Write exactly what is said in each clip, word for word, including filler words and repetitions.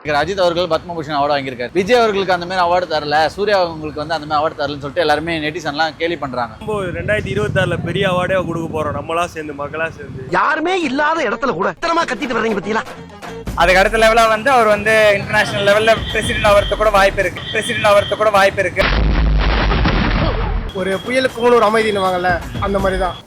அஜித் அவர்கள் பத்மபூஷன் அவார்டு வாங்கியிருக்காரு. விஜய் அவர்களுக்கு அந்த மாதிரி அவார்டு தரல, சூர்யா அவங்களுக்கு வந்து அந்த மாதிரி அவார்டு தரலன்னு சொல்லிட்டு எல்லாருமே நெட்டிசன்லாம் கேலி பண்றாங்க. ரெண்டாயிரத்தி இருபத்தி ஆறுல பெரிய அவார்டே கொடுக்க போறோம் நம்மளா சேர்ந்து மக்களா சேர்ந்து. யாருமே இல்லாத இடத்துல கூட இத்தனமா கத்திட்டு வர்றீங்க பத்தியா. அதுக்கு அடுத்த லெவலா வந்து அவர் வந்து இன்டர்நேஷனல் லெவல்ல பிரசிடென்ட் ஆகிறதுக்கு கூட வாய்ப்பு இருக்கு பிரசிடென்ட் ஆகிறதுக்கு கூட வாய்ப்பு இருக்கு. ஒரு புயலுக்கு ஒரு அமைதினுவாங்கல்ல, அந்த மாதிரி தான்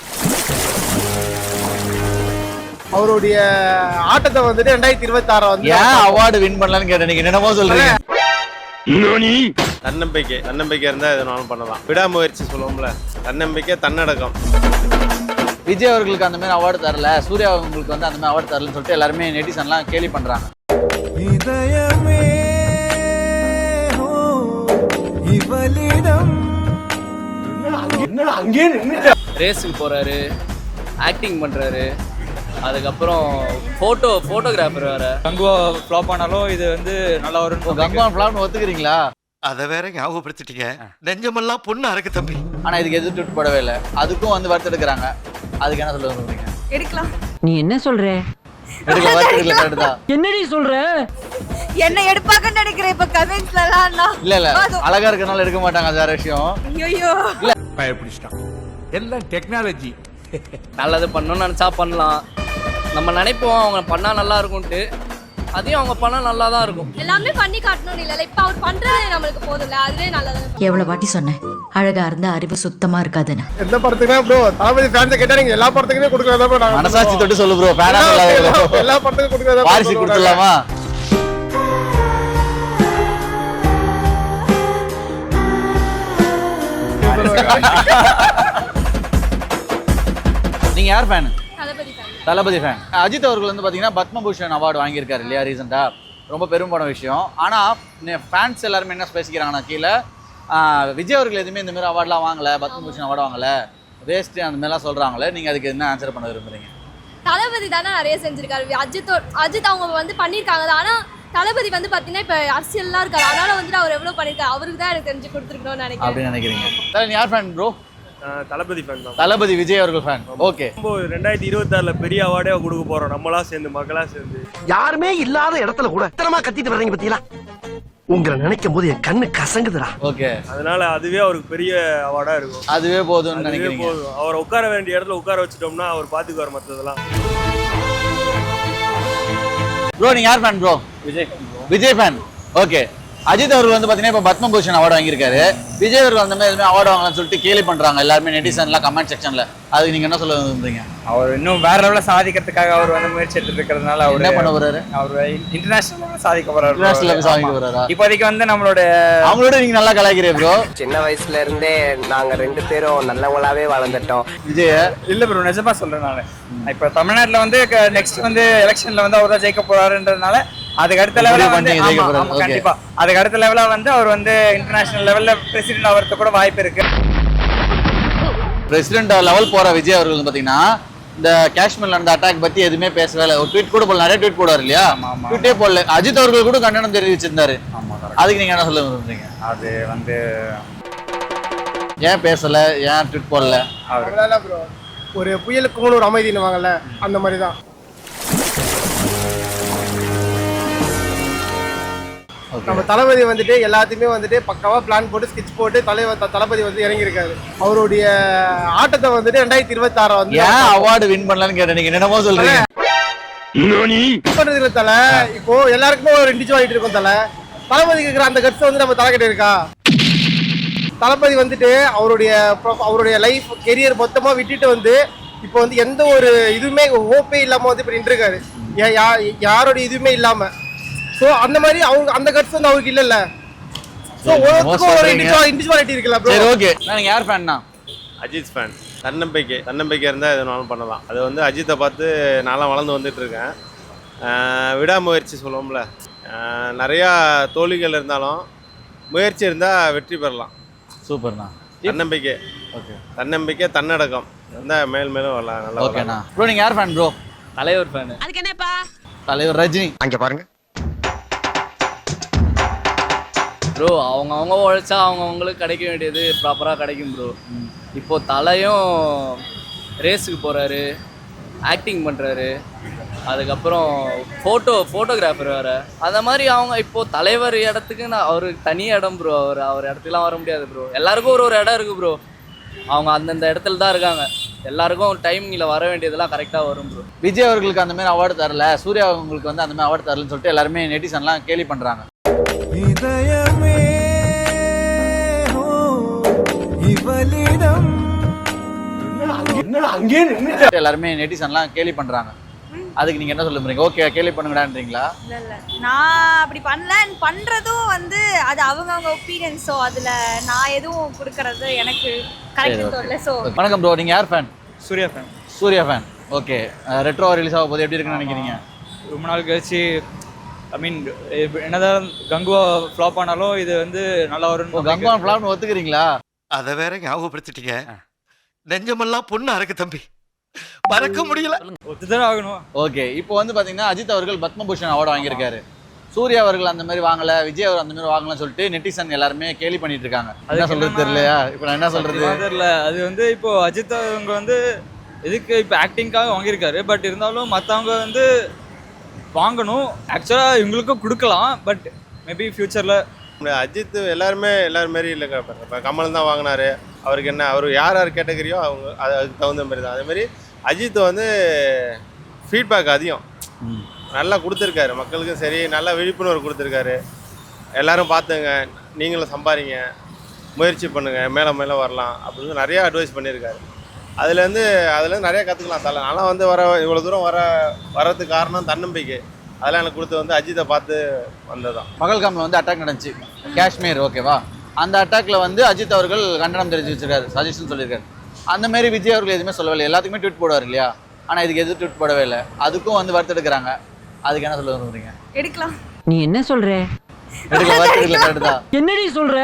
அவருடைய ஆட்டத்தை வந்துட்டு ரெண்டாயிரத்தி இருபத்தி ஆறு வந்து ஏன் அவார்டு வின் பண்ணலான்னு கேட்டேன். நீங்க என்னமோ சொல்றீங்க. தன்னம்பிக்கை தன்னம்பிக்கை இருந்தா எதுனாலும் பண்ணலாம். விடாமுயற்சி சொல்லுவோம்ல, தன்னம்பிக்கை தன்னடக்கம். விஜய் அவர்களுக்கு அந்த மாதிரி அவார்டு தரல, சூர்யா அவங்களுக்கு வந்து அந்த மாதிரி அவார்டு தரலன்னு சொல்லிட்டு எல்லாருமே நெட்டிசன்லாம் கேலி பண்றாங்க. ரேஸுக்கு போறாரு, ஆக்டிங் பண்றாரு, அதுக்கப்புறம் போட்டோ போட்டோகிராஃபர் வேற. கங்குவா ஃப்ளாப் ஆனாலும் இது வந்து நல்லா வரும். கங்குவா ஃப்ளாப்னு ஒத்துக்கிறீங்களா? அத வேற ஞாபகப்படுத்திட்டீங்க. நெஞ்சமெல்லாம் பொண்ணு அறக்கு தம்பி. ஆனா இதுக்கு எதிர்த்து ட்வீட் போடவே இல்லை. அதுக்கும் வந்து வருத்தெடுக்கிறாங்க. அதுக்கு என்ன சொல்ல சொல்றீங்க? எடுக்கலாம். நீ என்ன சொல்ற? எடுக்கல, வருத்தெடுக்கல, கரெக்ட் தான். என்னடி சொல்ற? என்ன எடுப்பாங்கன்னு நினைக்கிறேன் இப்ப கமெண்ட்ஸ்லலாம். இல்ல இல்ல, அழகா இருக்கனால எடுக்க மாட்டாங்க, அது வேற விஷயம். ஐயோ இல்ல, பயப்பிடிச்சிட்டான். எல்லாம் டெக்னாலஜி. நல்லது பண்ணணும்னு நினைச்சா பண்ணலாம். நம்ம நினைப்போம் அவங்க பண்ணா நல்லா இருக்கும்ட்டு, அதையும் அவங்க பண்ணா நல்லா தான் இருக்கும். எல்லாமே பண்ணி காட்டணும் இல்ல, இப்ப அவர் பண்றது நம்மளுக்கு போதும்ல, அதுவே நல்லது. எவ்வளவு வாட்டி சொன்னேன் அழகா இருந்தா அறிவு சுத்தமா இருக்காதுன்னு. எந்த படத்துக்குமே ப்ரோ தளபதி ஃபேன்ஸ் கேட்டா நீங்க எல்லா படத்துக்குமே கொடுக்கறதா ப்ரோ. நாங்க மனசாட்சி தொட்டு சொல்லு ப்ரோ. ஃபேனா சொல்லாத ப்ரோ. எல்லா படத்துக்கும் கொடுக்கறதா ப்ரோ. வாரிசு கொடுத்துடலாமா? நீங்க யார் fan? Thalapathy fan. Thalapathy fan. Ajith அவர்கள் வந்து பாத்தீங்கன்னா பத்மபூஷன் அவார்டு வாங்கியிருக்காரு இல்லையா ரீசெண்டா? ரொம்ப பெரும்பான விஷயம். ஆனா ஃபேன்ஸ் எல்லாருமே என்ன பேசிக்கிறாங்கன்னா, கீழே விஜய் அவர்கள் எதுவுமே இந்த மாதிரி அவார்ட்லாம் வாங்கல, பத்மபூஷன் அவார்டு வாங்கல, வேஸ்ட் அந்த மாதிரிலாம் சொல்றாங்களே. நீங்க அதுக்கு என்ன ஆன்சர் பண்ண விரும்புறீங்க? தளபதி தானே நிறைய செஞ்சிருக்காரு. அஜித் அஜித் அவங்க வந்து பண்ணியிருக்காங்க. ஆனா தளபதி வந்து பாத்தீங்கன்னா இப்ப அரசியல்லாம் இருக்காரு, அதனால வந்துட்டு அவர் எவ்வளவு பண்ணிருக்காரு, அவருக்கு தான் எனக்கு தெரிஞ்சு கொடுத்துருக்கணும்னு நினைக்கிறேன். அப்படின்னு நினைக்கிறீங்க? நீ யார் ஃபேன் ப்ரோ? தளபதி ஃபேன் தான். தளபதி விஜய் அவர்கள் ஃபேன். ஓகே. ரெண்டாயிரத்தி இருபத்தி ஆறுல பெரிய அவார்டே கொடுக்க போறோம் நம்மளா சேர்ந்து மக்களா சேர்ந்து. யாருமே இல்லாத இடத்துல கூட இத்தனமா கத்திட்டு வர்றீங்க பத்தியா. உங்களை நினைக்கும் போது என் கண்ணு கசங்குதுடா. ஓகே. அதனால அதுவே அவருக்கு பெரிய அவார்டா இருக்கும். அதுவே போதும்னு நினைக்கிறீங்க? போதும். அவரை உட்கார வேண்டிய இடத்துல உட்கார வச்சுட்டோம்னா அவர் பாத்துக்குவார் மத்ததெல்லாம். ப்ரோ நீங்க யார் fan bro? Vijay Vijay fan. Okay. Ajith அவர்கள் வந்து பாத்தீங்கன்னா இப்ப பத்மபூஷன் அவார்டு வாங்கியிருக்காரு. விஜய் அவர்கள் அந்த மாதிரி அவார்டு வாங்கலாம்னு சொல்லிட்டு கேலி பண்றாங்க எல்லாருமே நெட்டிசன்லாம் கமெண்ட் செக்ஷன்ல. அதுக்கு நீங்க என்ன சொல்ல விரும்புறீங்க? அவர் இன்னும் வேற லெவல்ல சாதிக்கிறதுக்காக அவர் வந்து முயற்சி எடுத்துட்டு இருக்கிறதுனால அவர் என்ன பண்ண போறாரு? அவர் இன்டர்நேஷனல் சாதிக்க போறாரு. இன்டர்நேஷனல் சாதிக்க போறாரா? இப்போதைக்கு வந்து நம்மளோட அவங்களோட நீங்க நல்லா கலாய்க்கிறீங்க ப்ரோ. சின்ன வயசுல இருந்தே நாங்க ரெண்டு பேரும் நல்லவங்களாவே வளர்ந்துட்டோம். விஜய் இல்ல ப்ரோ, நிஜமா சொல்றேன் நானு. இப்ப தமிழ்நாட்டுல வந்து நெக்ஸ்ட் வந்து எலெக்ஷன்ல வந்து அவர் தான் ஜெயிக்க போறாருன்றதுனால அதுக்கு அடுத்த லெவலா வந்து கண்டிப்பா அதுக்கு அடுத்த லெவலா வந்து அவர் வந்து இன்டர்நேஷனல் லெவல்ல பிரசிடென்ட் ஆகிறதுக்கு கூட வாய்ப்பு இருக்கு. பிரசிடென்ட் லெவல் போற விஜய் அவர்கள் பாத்தீங்கன்னா இந்த காஷ்மீர்ல நடந்த அட்டாக் பத்தி எதுவுமே பேசவே இல்லை. ஒரு ட்வீட் கூட போடல, நிறைய ட்வீட் போடுவார் இல்லையா? ட்வீட்டே போடல. அஜித் அவர்கள் கூட கண்டனம் தெரிவிச்சிருந்தாரு. அதுக்கு நீங்க என்ன சொல்ல விரும்புறீங்க? அது வந்து ஏன் பேசல, ஏன் ட்வீட் போடல? அவரால ப்ரோ ஒரு புயலுக்கு ஒரு அமைதினுவாங்கல்ல, அந்த மாதிரி தான். நம்ம தளபதி வந்துட்டு எல்லாத்தையுமே வந்துட்டு பக்காவா பிளான் போட்டு ஸ்கெட்ச் போட்டு தலைவர் தளபதி வந்து இறங்கியிருக்காரு. அவருடைய ஆட்டத்தை வந்துட்டு ரெண்டாயிரத்தி இருபத்தி ஆறு வந்து ஏன் அவார்டு வின் பண்ணலான்னு கேட்டேன். நீங்க என்னமோ சொல்றீங்க. பண்றதுல தலை இப்போ எல்லாருக்குமே ஒரு இண்டிவிஜுவாலிட்டி இருக்கும். தலை தளபதிக்கு இருக்கிற அந்த கட்ஸ் வந்து நம்ம தலைக்கிட்ட இருக்கா? தளபதி வந்துட்டு அவருடைய அவருடைய லைஃப் கெரியர் மொத்தமா விட்டுட்டு வந்து இப்போ வந்து எந்த ஒரு இதுவுமே ஹோப்பே இல்லாம வந்து இப்ப நின்றுருக்காரு. யாரோட இதுவுமே இல்லாம. சோ அந்த மாதிரி அவங்க அந்த கட்ஸ் வந்து அவருக்கு இல்லல்ல. சோ ஒரு இண்டிவிஜுவாலிட்டி இருக்குல்ல ப்ரோ. சரி ஓகே. நீங்க யார் ஃபேன்னா? அஜித் ஃபேன். தன்னம்பிக்கை தன்னம்பிக்கை இருந்தால் எதுனாலும் பண்ணலாம். அது வந்து அஜித்தை பார்த்து நான்லாம் வளர்ந்து வந்துட்டு இருக்கேன். விடாமுயற்சி சொல்லுவோம்ல, நிறையா தோல்விகள் இருந்தாலும் முயற்சி இருந்தால் வெற்றி பெறலாம். சூப்பர்ண்ணா. தன்னம்பிக்கை. ஓகே. தன்னம்பிக்கை தன்னடக்கம் இருந்தால் மேல் மேலும் வரலாம். நல்லா. ஓகேண்ணா. ப்ரோ நீங்க யார் ஃபேன் ப்ரோ? தலைவர் ஃபேன். அதுக்கு என்னப்பா? தலைவர் ரஜினி. அங்க பாருங்க ப்ரோ, அவங்க அவங்க உழைச்சா அவங்க அவங்களுக்கு கிடைக்க வேண்டியது ப்ராப்பராக கிடைக்கும் ப்ரோ. இப்போது தலையும் ரேஸுக்கு போகிறாரு, ஆக்டிங் பண்ணுறாரு, அதுக்கப்புறம் ஃபோட்டோ ஃபோட்டோகிராஃபர் வேறு. அந்த மாதிரி அவங்க இப்போது தலைவர் இடத்துக்கு நான் அவருக்கு தனி இடம் ப்ரோ. அவர் அவர் இடத்துக்குலாம் வர முடியாது ப்ரோ. எல்லாருக்கும் ஒரு ஒரு இடம் இருக்குது ப்ரோ. அவங்க அந்தந்த இடத்துல தான் இருக்காங்க. எல்லாருக்கும் டைமிங்கில் வர வேண்டியதெல்லாம் கரெக்டாக வரும் ப்ரோ. விஜய் அவர்களுக்கு அந்த மாதிரி அவார்டு தரல, சூர்யா அவங்களுக்கு வந்து அந்த மாதிரி அவார்டு தரலன்னு சொல்லிட்டு எல்லாருமே நெட்டிசன்லாம் கேலி பண்ணுறாங்க. எல்லாருமே நெட்டிசன்லாம் கேலி பண்ணுறாங்க. அதுக்கு நீங்கள் என்ன சொல்ல போறீங்க? ஓகே கேலி பண்ணுங்கடான்றீங்களா? இல்லை இல்லை நான் அப்படி பண்ணல. பண்ணுறதும் வந்து அது அவங்கவுங்க ஒப்பீனியன். ஸோ அதில் நான் எதுவும் கொடுக்கறது எனக்கு கரெக்ட் தோணல. ஸோ வணக்கம் ப்ரோ, நீங்கள் யார் fan? Suriya fan. Suriya fan. Okay, Retro release ஆக போது எப்படி இருக்குன்னு நினைக்கிறீங்க? ரொம்ப நாள் கழிச்சு ஐ மீன் என்னதான் கங்குவா ஃப்ளாப் ஆனாலும் இது வந்து நல்லா வரும். கங்குவா ஃப்ளாப்னு ஒத்துக்கிறீங்களா? அதை வேற ஞாபகப்படுத்திட்டீங்க. நெஞ்சமெல்லாம் பொண்ணா இருக்கு தம்பி, மறக்க முடியல. ஒத்துதான் ஆகணும். ஓகே, இப்போ வந்து பார்த்தீங்கன்னா அஜித் அவர்கள் பத்மபூஷன் அவார்டு வாங்கியிருக்காரு. சூர்யா அவர்கள் அந்த மாதிரி வாங்கல, விஜய் அவர் அந்த மாதிரி வாங்கலன்னு சொல்லிட்டு நெட்டிசன் எல்லாருமே கேலி பண்ணிட்டு இருக்காங்க. என்ன சொல்றது தெரியலையா? இப்போ நான் என்ன சொல்றது தெரியல. அது வந்து இப்போ அஜித் அவங்க வந்து இதுக்கு இப்போ ஆக்டிங்காக வாங்கியிருக்காரு. பட் இருந்தாலும் மற்றவங்க வந்து வாங்கணும். ஆக்சுவலாக இவங்களுக்கும் கொடுக்கலாம். பட் மேபி ஃப்யூச்சரில் அஜித் எல்லாருமே எல்லாரும் மாரி இல்லைங்க. இப்போ கமல் தான் வாங்கினாரு. அவருக்கு என்ன, அவர் யார் யார் கேட்டகரியோ அவங்க அது அதுக்கு தகுந்த மாதிரி தான். அதேமாதிரி அஜித் வந்து ஃபீட்பேக் அதிகம் நல்லா கொடுத்துருக்காரு. மக்களுக்கும் சரி நல்லா விழிப்புணர்வு கொடுத்துருக்காரு. எல்லோரும் பார்த்துங்க, நீங்களும் சம்பாதிங்க, முயற்சி பண்ணுங்கள், மேலே மேலே வரலாம் அப்படின்னு நிறையா அட்வைஸ் பண்ணியிருக்காரு. அதுலேருந்து அதுலேருந்து நிறையா கற்றுக்கலாம். தலை நல்லா வந்து வர இவ்வளோ தூரம் வர வர்றதுக்கு காரணம் தன்னம்பிக்கை. அதெல்லாம் எனக்கு கொடுத்து வந்து அஜித்தை பார்த்து வந்தது தான். பகல்காமில் வந்து அட்டாக் நடந்துச்சு, காஷ்மீர். ஓகேவா? அந்த அட்டாக்ல வந்து அஜித் அவர்கள் கண்டனம் தெரிவிச்சு வச்சிருக்காரு, சஜஷன் சொல்லியிருக்காரு. அந்த மாதிரி விஜய் அவர்கள் எதுவுமே சொல்லவே. எல்லாத்துக்குமே ட்வீட் போடுவார் இல்லையா? ஆனால் இதுக்கு எதுவும் ட்வீட் போடவே இல்லை. அதுக்கும் வந்து வருத்த எடுக்கிறாங்க. அதுக்கு என்ன சொல்ல விரும்புறீங்க? எடுக்கலாம். நீ என்ன சொல்ற? எடுக்கல, வருத்த எடுக்கல. கரெக்ட் தான். என்னடி சொல்ற?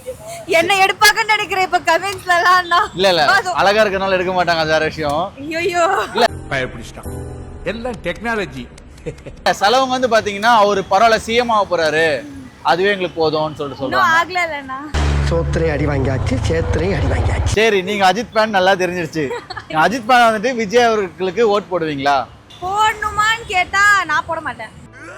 என்ன எடுப்பாங்கன்னு நினைக்கிறேன் இப்ப கமெண்ட்ஸ்லாம். இல்ல இல்ல அழகா இருக்கனால எடுக்க மாட்டாங்க, அது வேற விஷயம். ஐயோ பயப்பிடிச்சிட்டான். எல்லாம் டெக்னாலஜி. செலவங்க வந்து பாத்தீங்கன்னா அவரு பரவாயில்ல சிஎம் ஆக போறாரு, அதுவே எங்களுக்கு போதும்னு சொல்லிட்டு சொல்றாங்க. ஆகல இல்லனா சோத்திரையும் அடி வாங்கியாச்சு, சேத்திரையும் அடி வாங்கியாச்சு. சரி, நீங்க அஜித் ஃபேன் நல்லா தெரிஞ்சிருச்சு. அஜித் ஃபேன் வந்துட்டு விஜய் அவர்களுக்கு ஓட் போடுவீங்களா? போடணுமான்னு கேட்டா நான் போட மாட்டேன்.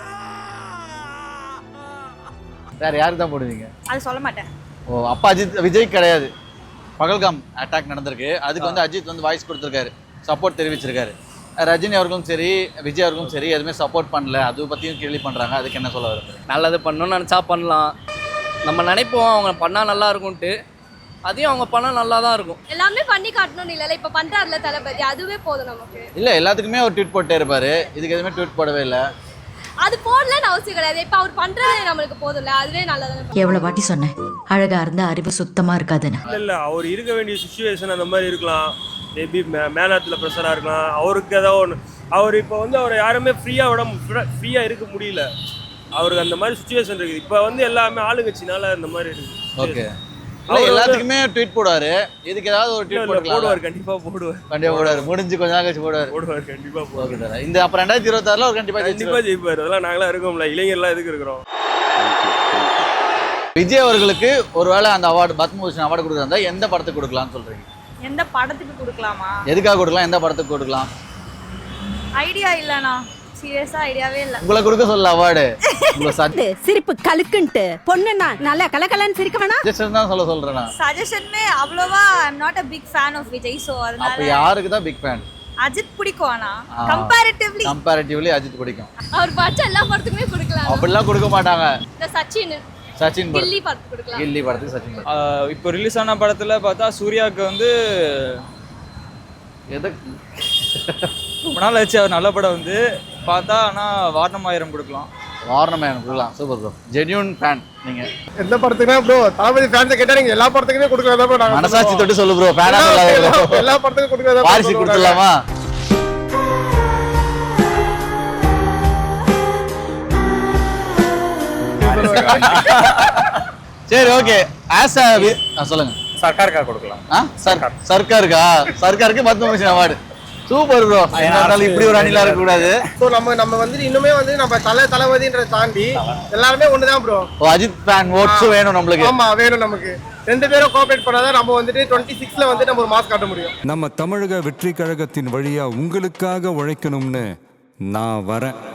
வேற யாருக்கு தான் போடுவீங்க? அது சொல்ல மாட்டேன். ஓ, அப்ப அஜித் விஜய் கிடையாது. பகல்காம் அட்டாக் நடந்திருக்கு, அதுக்கு வந்து அஜித் வந்து வாய்ஸ் கொடுத்துருக்காரு, சப்போர்ட் தெரிவிச்சிருக்காரு. ரஜினி அவர்களும் சரி விஜய் அவர்களும் சரி எதுவுமே சப்போர்ட் பண்ணல, அதை பற்றியும் கேள்வி பண்ணுறாங்க. அதுக்கு என்ன சொல்ல வருது? நல்லது பண்ணணும்னு நினச்சா பண்ணலாம். நம்ம நினைப்போம் அவங்க பண்ணால் நல்லா இருக்கும்ன்ட்டு, அதையும் அவங்க பண்ணால் நல்லா தான் இருக்கும். எல்லாமே பண்ணி காட்டணும்னு இல்லை. இப்போ பண்ணுறாருல தளபதி, அதுவே போதும் நமக்கு. இல்லை, எல்லாத்துக்குமே ஒரு ட்வீட் போட்டே இருப்பாரு, இதுக்கு எதுவுமே ட்வீட் போடவே இல்லை. அது போடலன்னு அவசியம் கிடையாது. இப்போ அவர் பண்ணுறது நம்மளுக்கு போதும்ல, அதுவே நல்லது. எவ்வளவு வாட்டி சொன்னேன், அழகா இருந்த அறிவு சுத்தமா இருக்காதுன்னு. இல்லை இல்லை அவர் இருக்க வேண்டிய சுச்சுவேஷன் அந்த மாதிரி இருக்கலாம். மேபி மே மேலாத்தில் ப்ரெஷராக இருக்கலாம். அவருக்கு ஏதாவது ஒன்று அவர் இப்போ வந்து அவரை யாருமே ஃப்ரீயாக விட ஃப்ரீயாக இருக்க முடியல. அவருக்கு அந்த மாதிரி சுச்சுவேஷன் இருக்குது. இப்போ வந்து எல்லாமே ஆளுங்கட்சினால அந்த மாதிரி இருக்குது. ஓகே, அவர் எல்லாத்துக்குமே ட்வீட் போடுவாரு, இதுக்கு ஏதாவது ஒரு ட்வீட் போடுவார். கண்டிப்பாக போடுவார். கண்டிப்பாக போடுவார். முடிஞ்சு கொஞ்ச நாள் கழிச்சு போடுவார். போடுவார் கண்டிப்பாக போடுவார். இந்த அப்புறம் ரெண்டாயிரத்தி இருபத்தாறுல அவர் கண்டிப்பாக கண்டிப்பாக ஜெயிப்பார். அதெல்லாம் நாங்களாம் இருக்கோம்ல, இளைஞர்லாம் எதுக்கு இருக்கிறோம். விஜய் அவர்களுக்கு ஒருவேளை அந்த அவார்டு பத்மபூஷன் அவார்டு கொடுக்குறதா எந்த படத்துக்கு கொடுக்கலாம்னு சொல்றீங்க? எந்த படத்துக்கு கொடுக்கலாமா? எதுக்காக கொடுக்கலாம், எந்த படத்துக்கு கொடுக்கலாம்? ஐடியா இல்லண்ணா, சீரியஸா ஐடியாவே இல்ல. உங்களை கொடுக்க சொல்ல அவார்டு. உங்களை சஜ் சிரிப்பு கலுக்குன்ட்டு பொண்ணுன்னா நல்லா கலகலன்னு சிரிக்க வேணாம். சஜஷன் தான் சொல்ல சொல்றேன். சஜஷன்மே அவ்வளவா I am not a big fan of Vijay. So அதனால அப்ப யாருக்கு தான் பிக் ஃபேன்? அஜித் பிடிக்கும். ஆனா கம்பேரிட்டிவ்லி கம்பேரிட்டிவ்லி அஜித் பிடிக்கும். அவர் பாச்ச எல்லா படத்துக்குமே கொடுக்கலாம். அப்படிலாம் கொடுக்க மாட்டாங்க. இந்த சச்சின் சச்சின் கில்லி படத்துக்கு கொடுக்கலாம். கில்லி படத்துக்கு சச்சின். இப்போ ரிலீஸ் ஆன படத்தில் பார்த்தா சூர்யாவுக்கு வந்து எதுக்கு ரொம்ப நாள் ஆச்சு அவர் நல்ல படம் வந்து பார்த்தா. ஆனால் வாரணமாயிரம் கொடுக்கலாம். வாரணமாயிரம் கொடுக்கலாம். சூப்பர் ப்ரோ, ஜென்யூன் ஃபேன் நீங்க. எந்த படத்துக்குனா ப்ரோ தளபதி ஃபேன்ஸை கேட்டால் நீங்கள் எல்லா படத்துக்குமே கொடுக்குறதா ப்ரோ. நாங்கள் மனசாட்சி தொட்டு சொல்லு ப்ரோ, ஃபேனா சொல்லாத ப்ரோ. எல்லா படத்துக்கும் கொடுக்குறதா. வாரிசு கொடுத்துடலாமா? சரி, ஓகே. ஆஸ் அ சொல்லுங்க. சர்க்காருக்கா கொடுக்கலாம். ஆ சார், சர்க்காருக்கா? சர்க்காருக்கு பத்மபூஷன் அவார்டு. Super bro. அதனால இப்படி ஒரு அணிலா இருக்க கூடாது. ஸோ நம்ம நம்ம வந்து இன்னுமே வந்து நம்ம தலை தளபதின்றதை தாண்டி எல்லாருமே ஒன்று தான் ப்ரோ. ஓ, அஜித் ஃபேன் ஓட்ஸும் வேணும் நம்மளுக்கு. ஆமா வேணும் நமக்கு. ரெண்டு பேரும் கோஆபரேட் பண்ணாதான் நம்ம வந்துட்டு டுவெண்ட்டி சிக்ஸ்ல வந்து நம்ம ஒரு மாஸ் காட்ட முடியும். நம்ம தமிழக வெற்றி கழகத்தின் வழியா உங்களுக்காக உழைக்கணும்னு நான் வரேன்.